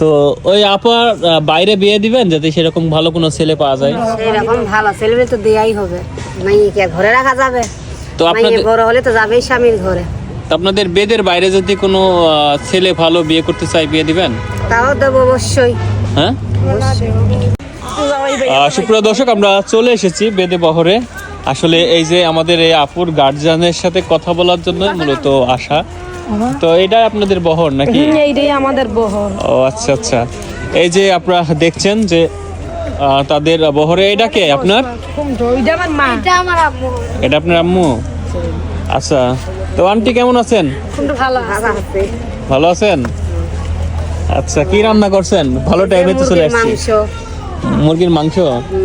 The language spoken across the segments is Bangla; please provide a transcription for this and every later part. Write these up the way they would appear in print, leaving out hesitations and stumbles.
তো ওই আপার বাইরে বিয়ে দিবেন যাতে সেরকম ভালো কোনো ছেলে পাওয়া যায়। সেরকম ভালো ছেলে তো দেয়াই হবে, মাইকে ঘরে রাখা যাবে? তো মাইয়ে আপনাদের বড় হলে তো যাবেই স্বামীর ঘরে। আপনাদের বেদের বাইরে যদি কোনো ছেলে ভালো বিয়ে করতে চায় বিয়ে দিবেন? তাও দেবো অবশ্যই। হ্যাঁ, সুপ্রিয় দর্শক, আমরা চলে এসেছি বেদে বহরে। আসলে এই যে আমাদের এই আপুর গার্জিয়ানের সাথে কথা বলার জন্য মূলত আসা। তো এটাই আপনাদের বহর নাকি? এইটাই আমাদের বহর। ও আচ্ছা আচ্ছা, এই যে আপনারা দেখছেন যে তাদের বহরে। এটা কে আপনার? এটা আপনার আম্মু? আচ্ছা, তো আন্টি কেমন আছেন? ভালো আছে। ভালো আছেন? আচ্ছা, কি রান্না করছেন? ভালো টাইমে তো চলে আসছি। মাংস, মুরগির মাংস।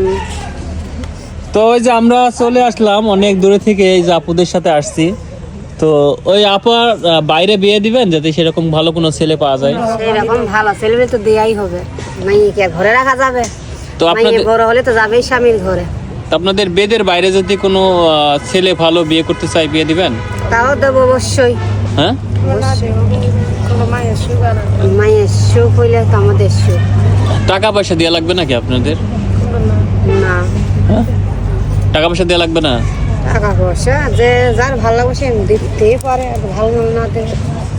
তো ওই যে আমরা চলে আসলাম অনেক দূরে থেকে, এই যে আপুদের সাথে আসছি। তো ওই আপার বাইরে বিয়ে দিবেন যাতে সেরকম ভালো কোনো ছেলে পাওয়া যায়। সেরকম ভালো ছেলে তো দেয়াই হবে, মাইকে ঘরে রাখা যাবে? তো মাইয়ে আপনাদের বড় হলে তো যাবেই স্বামীর ঘরে। আপনাদের বেদের বাইরে যদি কোনো ছেলে ভালো বিয়ে করতে চায় বিয়ে দিবেন? তাও দেবো অবশ্যই। হ্যাঁ, মায়ের সুখ হইলে তো আমাদের সুখ। টাকা পয়সা দেওয়া লাগবে নাকি আপনাদের? না, হ্যাঁ, টাকা পয়সা দেওয়া লাগবে না? টাকা পয়সা যে যার ভালো লাগবে সে দিতেই পারে, আর ভালো না দেবে।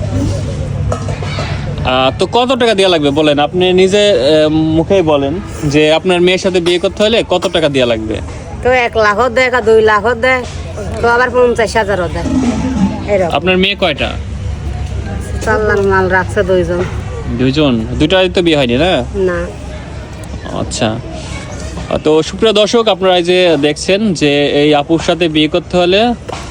তো কত টাকা দেওয়া লাগবে বলেন, আপনি নিজে মুখেই বলেন যে আপনার মেয়ের সাথে বিয়ে করতে হলে কত টাকা দেওয়া লাগবে? তো 1 লাখও দেয়, 2 লাখও দেয়, তো আবার 50,000ও দেয়। এরকম আপনার মেয়ে কয়টা? 4 লাখ মাল রাখছে 2 জন। দুইজন? দুইটাই তো বিয়ে হয়নি না? না, আচ্ছা। তো সুপ্রিয় দর্শক, আপনারা এই যে দেখছেন যে এই আপুর সাথে বিয়ে করতে হলে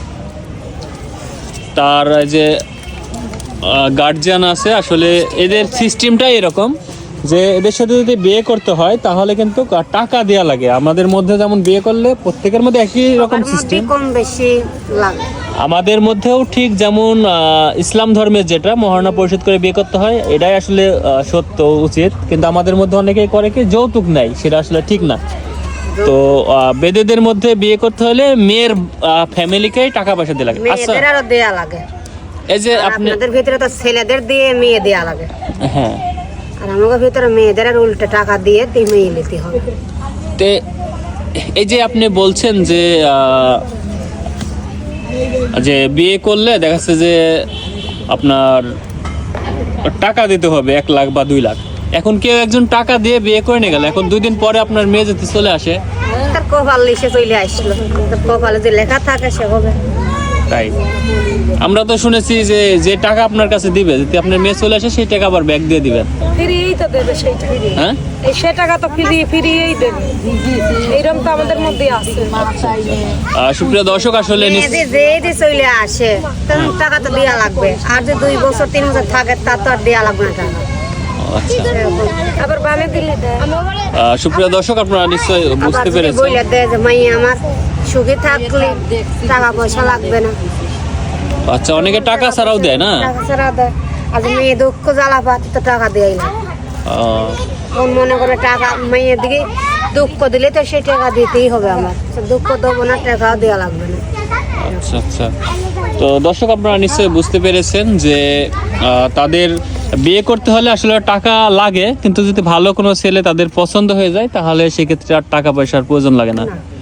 তার এই যে গার্জিয়ান আছে। আসলে এদের সিস্টেমটাই এরকম যে এদের সাথে যদি বিয়ে করতে হয় তাহলে কিন্তু টাকা দেওয়া লাগে। আমাদের মধ্যে যেমন বিয়ে করলে প্রত্যেকের মধ্যে একই রকম সিস্টেম, কম বেশি লাগে। আমাদের মধ্যেও ঠিক যেমন ইসলাম ধর্মের যেটা মহারণা পরিশোধ করে বিয়ে করতে হয়, এটাই আসলে সত্য উচিত। কিন্তু আমাদের মধ্যে অনেকেই করে কি যৌতুক নেয়, সেটা আসলে ঠিক না। তো বেদেদের মধ্যে বিয়ে করতে হলে মেয়ের ফ্যামিলিকেই টাকা পয়সা দিয়ে লাগে। আচ্ছা, মেয়েদের আরো দেয়া লাগে। এই যে আপনি, আপনাদের ভিতরে তো ছেলেদের দিয়ে মেয়ে দেয়া লাগে, হ্যাঁ, আর আমাদের ভিতরে মেয়েদের আর উল্টো টাকা দিয়ে মেয়ে নিতে হবে। তে এই যে আপনি বলছেন যে যে বিয়ে করলে দেখা যাচ্ছে যে আপনার টাকা দিতে হবে 1 লাখ বা 2 লাখ। এখন কেউ একজন টাকা দিয়ে বিয়ে করে নিয়ে গেল, এখন 2 দিন পরে আপনার মেয়ে যদি চলে আসে, তার কপাল লিখে চলে আসলো, তার কপালে যে লেখা থাকে সে হবে। তাই আমরা তো শুনেছি যে যে টাকা আপনার কাছে দিবে, যদি আপনার মেয়ে চলে আসে সেই টাকা আবার ব্যাক দিয়ে দিবেন। ফ্রিই তো দেবে সেইটা। হ্যাঁ, এই সে টাকা তো ফ্রিই দেবে, এইরকম তো আমাদের মধ্যে আছে। সুপ্রিয় দর্শক, আসলে মেয়ে যে চলে আসে তখন টাকা তো দেওয়া লাগবে, আর যে 2 বছর 3 বছর থাকে তার তো আর দেওয়া লাগবে না টাকা। আচ্ছা, আবার বানে দিলে দেয়। সুপ্রিয় দর্শক, আপনারা নিশ্চয়ই বুঝতে পেরেছেন। বইলে দেয় যে মাই আমার সুখে থাকলে টাকা পয়সা লাগবে না। আচ্ছা, অনেকে টাকা ছাড়াও দেয় না? টাকা ছাড়া দেয়, আর মেয়ে দুঃখ জ্বালা পাচ্ছে তো টাকা দেয় না। কোন মনে করে টাকা মেয়ের দিকে দুঃখ দিলে তো সেই টাকা দিতেই হবে, আমার দুঃখ দেবো না, টাকাও দেওয়া লাগবে না। আচ্ছা আচ্ছা, তো দর্শক, আপনারা নিশ্চয়ই বুঝতে পেরেছেন যে তাদের বিয়ে করতে হলে আসলে টাকা লাগে, কিন্তু যদি ভালো কোনো ছেলে তাদের পছন্দ হয়ে যায় তাহলে সেক্ষেত্রে আর টাকা পয়সার প্রয়োজন লাগে না।